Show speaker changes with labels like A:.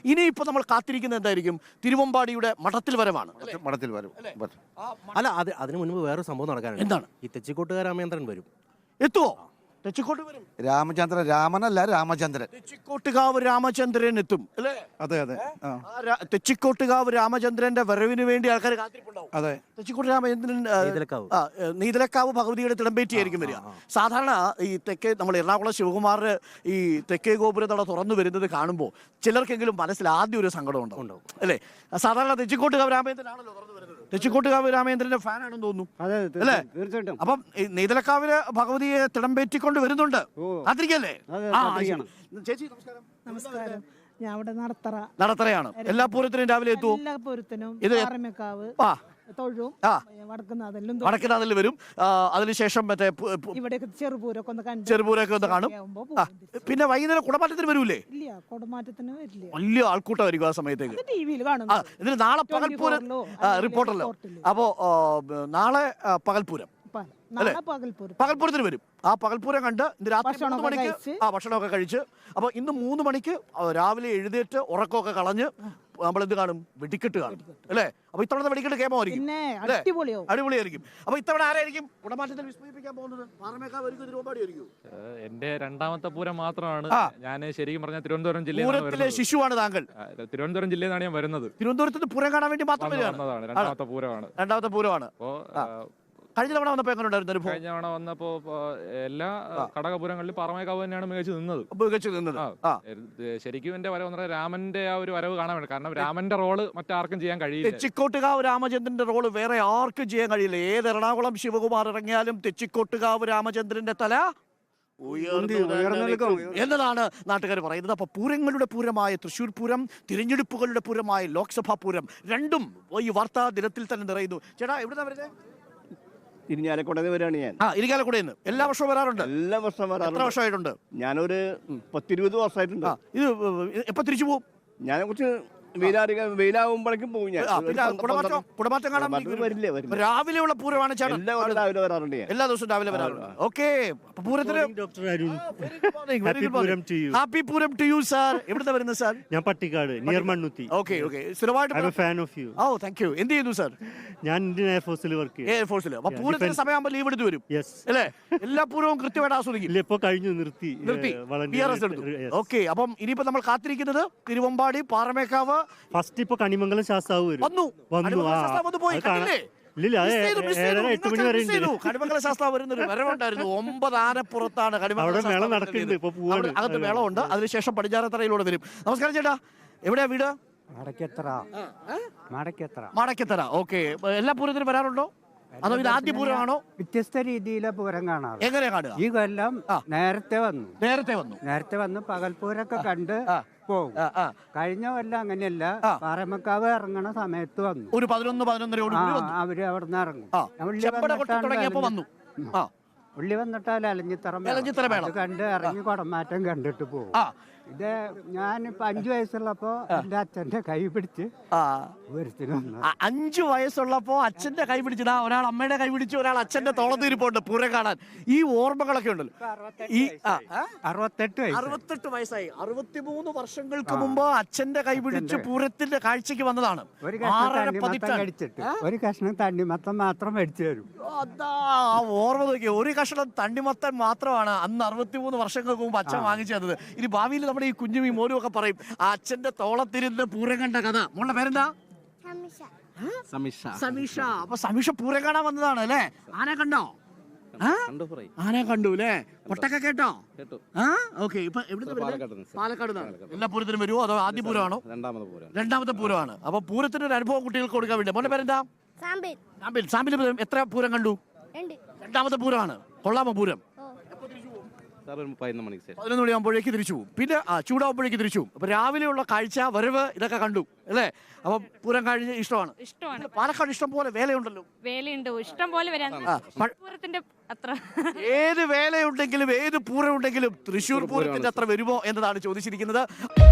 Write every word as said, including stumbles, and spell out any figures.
A: ഇനിയിപ്പോൾ നമ്മൾ കാത്തിരിക്കുന്നത് എന്തായിരിക്കും? തിരുവമ്പാടിയുടെ മഠത്തിൽ വരവാണ്.
B: മഠത്തിൽ വരും.
C: അല്ല, അത് അതിന് മുൻപ് വേറൊരു സംഭവം നടക്കാനുണ്ട്.
A: എന്താണ്?
C: ഈ തെച്ചിക്കോട്ടുകാർ രാമേന്ദ്രൻ വരും.
A: എത്തുവോ? തെച്ചിക്കോട്ട് വരും.
B: രാമചന്ദ്രൻ, രാമനല്ല രാമചന്ദ്രൻ.
A: തെച്ചിക്കോട്ടുകാവ് രാമചന്ദ്രൻ എത്തും അല്ലേ?
B: അതെ അതെ.
A: തെച്ചിക്കോട്ടുകാവ് രാമചന്ദ്രന്റെ വരവിന് വേണ്ടി ആൾക്കാർ കാത്തിരിപ്പുണ്ടാവും.
B: അതെ.
A: തെച്ചിക്കോട്ട് രാമചന്ദ്രൻ
C: നീതലക്കാവ്.
A: ആ നീതലക്കാവ് ഭഗവതിയുടെ തിടമ്പേറ്റിയായിരിക്കും വരിക. സാധാരണ ഈ തെക്കേ നമ്മൾ എറണാകുളം ശിവകുമാർ ഈ തെക്കേ ഗോപുരത്തട തുറന്നു വരുന്നത് കാണുമ്പോൾ ചിലർക്കെങ്കിലും മനസ്സിൽ ആദ്യം ഒരു സങ്കടം ഉണ്ടാവും അല്ലേ? സാധാരണ തെച്ചിക്കോട്ടുകാവ് രാമചന്ദ്രനാണല്ലോ തുറന്നു വരുന്നത്. തെച്ചിക്കോട്ടുകാവ് രാമചന്ദ്രന്റെ ഫാനാണെന്ന് തോന്നുന്നു അല്ലേ? അപ്പം നീതലക്കാവില് ഭഗവതിയെ തിടമ്പേറ്റിക്കൊണ്ട് വരുന്നുണ്ട്. കാത്തിരിക്കല്ലേ? ചേച്ചി നമസ്കാരം.
D: നമസ്കാരം. ഞാൻ അവിടെ നടത്തറ
A: നടത്തറയാണ്. എല്ലാ പൂരത്തിനും രാവിലെ എത്തുമോ?
D: എല്ലാ പൂരത്തിനും
A: ഇത്
D: പാറമേക്കാവ്
A: ആ
D: തൊഴും
A: ആ
D: വടക്കുന്നാഥിലും
A: വടക്കുന്നാഥിൽ വരും. അതിനുശേഷം മറ്റേ
D: ഇവിടെ ചെറുപൂരൊക്കെ ഒന്ന് കണ്ടു
A: ചെറുപൂരൊക്കെ ഒന്ന് കാണും. പിന്നെ വൈകുന്നേരം കുടമാറ്റത്തിന് വരൂലേ?
D: ഇല്ല, കുടമാറ്റത്തിന് വരില്ല.
A: വലിയ ആൾക്കൂട്ടമായിരിക്കും ആ സമയത്തേക്ക്.
D: ടി വിയിൽ കാണും.
A: ഇതിന് നാളെ പകൽപൂരം റിപ്പോർട്ടല്ലോ. അപ്പോ നാളെ പകൽപൂരം പകൽപൂരത്തിന് വരും. ആ പകൽപൂരം കണ്ട് ഇന്ന് രാത്രി മൂന്ന് മണിക്ക് ആ ഭക്ഷണമൊക്കെ കഴിച്ച് അപ്പൊ ഇന്ന് മൂന്ന് മണിക്ക് രാവിലെ എഴുന്നേറ്റ് ഉറക്കമൊക്കെ കളഞ്ഞ് നമ്മൾ എന്ത് കാണും? വെടിക്കെട്ട് കാണും അല്ലേ? അപ്പൊ ഇത്തവണ വെടിക്കെട്ട് കേമായിരിക്കും, അടിപൊളിയായിരിക്കും. അപ്പൊ ഇത്തവണ ആരായിരിക്കും കുടമാറ്റത്തിൽ വിസ്മയിപ്പിക്കാൻ പോകുന്നത്? പാറമേക്കാവായിരിക്കും, തിരുവമ്പാടിയായിരിക്കും?
E: എന്റെ രണ്ടാമത്തെ പൂരം മാത്രമാണ്. ഞാൻ ശരിക്കും പറഞ്ഞ തിരുവനന്തപുരം
A: ജില്ലയിലെ ശിശുവാണ് താങ്കൾ.
E: തിരുവനന്തപുരം ജില്ലയിൽ നിന്നാണ് ഞാൻ വരുന്നത്.
A: തിരുവനന്തപുരത്ത് പൂരം കാണാൻ വേണ്ടി മാത്രം വരികയാണ്.
E: രണ്ടാമത്തെ പൂരമാണ്
A: രണ്ടാമത്തെ പൂരമാണ്. കഴിഞ്ഞ തവണ വന്നപ്പോ എങ്ങനെയുണ്ടായിരുന്നു?
E: കഴിഞ്ഞ തവണ വന്നപ്പോ എല്ലാ കടകപുരങ്ങളിലും പാറമേക്കാവ് തന്നെയാണ് മികച്ചു നിന്നത്.
A: മികച്ചു നിന്നത്
E: ശരിക്കും എന്റെ വരവ് എന്ന് പറഞ്ഞാൽ രാമന്റെ ആ ഒരു വരവ് കാണാൻ വേണ്ടി. കാരണം രാമന്റെ റോള് മറ്റാർക്കും ചെയ്യാൻ കഴിയില്ല.
A: തെച്ചിക്കോട്ടുകാവ് രാമചന്ദ്രന്റെ റോള് വേറെ ആർക്കും ചെയ്യാൻ കഴിയില്ല. ഏത് എറണാകുളം ശിവകുമാർ ഇറങ്ങിയാലും തെച്ചിക്കോട്ടുകാവ് രാമചന്ദ്രന്റെ തല എന്നതാണ് നാട്ടുകാർ പറയുന്നത്. അപ്പൊ പൂരങ്ങളുടെ പൂരമായ തൃശ്ശൂർ പൂരം, തിരഞ്ഞെടുപ്പുകളുടെ പൂരമായ ലോക്സഭാ പൂരം രണ്ടും ഈ വാർത്താ ദിനത്തിൽ തന്നെ നിറയുന്നു. ചേട്ടാ എവിടുന്നാ വരുന്നത്?
F: ഇരിഞ്ഞാലക്കുടയിൽ വരികയാണ് ഞാൻ.
A: ആ ഇരിങ്ങാലക്കുടയിൽ നിന്ന് എല്ലാ വർഷവും വരാറുണ്ട്?
F: എല്ലാ വർഷവും വരാറുണ്ട്.
A: എത്ര വർഷമായിട്ടുണ്ട്?
F: ഞാനൊരു പത്തിരുപത് വർഷമായിട്ടുണ്ട്.
A: ഇത് എപ്പോ തിരിച്ചു പോകും?
F: ഞാനെ കുറിച്ച് വെയിലാവുമ്പോഴേക്കും പോകും ഞാൻ.
A: കുടമാറ്റം കാണാൻ
F: വരില്ലേ?
A: രാവിലെയുള്ള പൂരമാണ് ചേട്ടൻ?
F: രാവിലെ വരാറുണ്ട്,
A: എല്ലാ ദിവസവും രാവിലെ വരാറുണ്ട്. ഓക്കെ, പൂരത്തിന് happy Pooram to you sir. എവിടുന്നാ വരുന്നത് സാർ?
C: ഞാൻ Pattikkad, near Mannuthy.
A: Okay okay, സ്ഥിരമായിട്ട്
C: fan of you.
A: Oh thank you. എന്ത് ചെയ്യുന്നു സാർ?
C: ഞാൻ ഇന്ത്യൻ എയർഫോഴ്സിൽ വർക്ക് ചെയ്യും.
A: എയർഫോഴ്സിൽ. അപ്പൊ പൂരത്തിന് സമയമാകുമ്പോൾ ലീവ് എടുത്ത് വരും അല്ലേ? എല്ലാ പൂരവും കൃത്യമായിട്ട് ആസ്വദിക്കും?
C: ഇല്ല, ഇപ്പൊ കഴിഞ്ഞു, നിർത്തി
A: നിർത്തി പി ആർ എസ് എടുത്തു. ഓക്കെ, അപ്പം ഇനിയിപ്പോ നമ്മൾ കാത്തിരിക്കുന്നത് തിരുവമ്പാടി, പാറമേക്കാവ്.
C: ഫസ്റ്റ് ഇപ്പൊ കണിമംഗലം ശാസ്താവ് വന്നു വന്നു
A: കണിമംഗല ശാസ്താവ് വരുന്നൊരു വരവുണ്ടായിരുന്നു. ഒമ്പത് ആനപ്പുറത്താണ് അകത്ത് മേളമുണ്ട്. അതിനുശേഷം പടിഞ്ഞാറത്തറയിലൂടെ വരും. നമസ്കാരം ചേട്ടാ, എവിടെയാ വീട്? മടക്കത്തറ. ഓക്കെ, എല്ലാ പൂരത്തിനും വരാറുണ്ടോ? അതോ ഇത് ആദ്യ പൂരമാണോ?
G: വ്യത്യസ്ത രീതിയിലെ പൂരം കാണാറ്.
A: എങ്ങനെയാ കാണുക?
G: ഈ കൊല്ലം നേരത്തെ വന്നു
A: നേരത്തെ വന്നു
G: നേരത്തെ വന്ന് പകൽപൂരൊക്കെ കണ്ട് പോകും. കഴിഞ്ഞ കൊല്ലം അങ്ങനെയല്ല, പാറമേക്കാവ് ഇറങ്ങണ സമയത്ത് വന്നു.
A: ഒരു പതിനൊന്ന് പതിനൊന്നരയോട്
G: അവര് അവിടെ നിന്ന് ഇറങ്ങും.
A: വന്നു
G: ഉള്ളി വന്നിട്ടാൽ അലഞ്ഞിത്തറ കണ്ട് ഇറങ്ങി കുടമാറ്റം കണ്ടിട്ട് പോകും. ഇത് ഞാനിപ്പോ അഞ്ചു വയസ്സുള്ളപ്പോ എന്റെ അച്ഛന്റെ കൈ പിടിച്ച്
A: അഞ്ചു വയസ്സുള്ളപ്പോ അച്ഛന്റെ കൈ പിടിച്ചതാ. ഒരാൾ അമ്മയുടെ കൈ പിടിച്ചു, ഒരാൾ അച്ഛന്റെ തോളത്തിരിപ്പുണ്ട് പൂരം കാണാൻ. ഈ ഓർമ്മകളൊക്കെ ഉണ്ടല്ലോ. ഈ
G: അറുപത്തെട്ട്
A: അറുപത്തെട്ട് വയസ്സായി. അറുപത്തിമൂന്ന് വർഷങ്ങൾക്ക് മുമ്പ് അച്ഛന്റെ കൈ പിടിച്ച് പൂരത്തിന്റെ കാഴ്ചക്ക് വന്നതാണ്.
G: ഒരു കഷ്ണം തണ്ണിമത്തം മാത്രം മേടിച്ചു തരും.
A: അതാ ഓർമ്മ നോക്കിയ ഒരു കഷ്ണം തണ്ണിമത്തൻ മാത്രമാണ് അന്ന് അറുപത്തിമൂന്ന് വർഷങ്ങൾക്ക് മുമ്പ് അച്ഛൻ വാങ്ങിച്ചു തന്നത്. ഇനി ഭാവിയിൽ നമ്മുടെ ഈ കുഞ്ഞുമീ മോനും ഒക്കെ പറയും ആ അച്ഛന്റെ തോളത്തിരുന്ന് പൂരം കണ്ട കഥ. മോളുടെ പേരെന്താ? സമീഷ. അപ്പൊ സമീഷ പൂരം കാണാൻ വന്നതാണ് അല്ലേ? ആന കണ്ടോ? ആന കണ്ടു അല്ലേ? കൊട്ടൊക്കെ കേട്ടോ? ഓക്കെ. ഇപ്പൊ പാലക്കാട്. എല്ലാ പൂരത്തിനും വരുമോ അതോ ആദ്യ പൂരമാണോ? രണ്ടാമത്തെ പൂരമാണ്. അപ്പൊ പൂരത്തിന് ഒരു അനുഭവം കുട്ടികൾക്ക് കൊടുക്കാൻ വേണ്ടി. മോന്റെ പേരെന്താ? സാമ്പിൽ. സാമ്പിൽ എത്ര പൂരം കണ്ടു? രണ്ടാമത്തെ പൂരമാണ്. കൊള്ളാമോ പൂരം? പതിനൊന്ന് മണിയാകുമ്പോഴേക്ക് തിരിച്ചു പോകും. പിന്നെ ആ ചൂടാകുമ്പോഴേക്ക് തിരിച്ചു പോകും. അപ്പൊ രാവിലെയുള്ള കാഴ്ച, വരവ് ഇതൊക്കെ കണ്ടു അല്ലേ? അപ്പൊ പൂരം കഴിഞ്ഞ് ഇഷ്ടമാണ്.
H: ഇഷ്ടമാണ്.
A: പാലക്കാട് ഇഷ്ടം പോലെ വേലയുണ്ടല്ലോ.
H: വേലയുണ്ട്, ഇഷ്ടം പോലെ വരാൻ. അത്ര
A: ഏത് വേലയുണ്ടെങ്കിലും ഏത് പൂരം ഉണ്ടെങ്കിലും തൃശ്ശൂർ പൂരത്തിന്റെ അത്ര വരുമോ എന്നതാണ് ചോദിച്ചിരിക്കുന്നത്.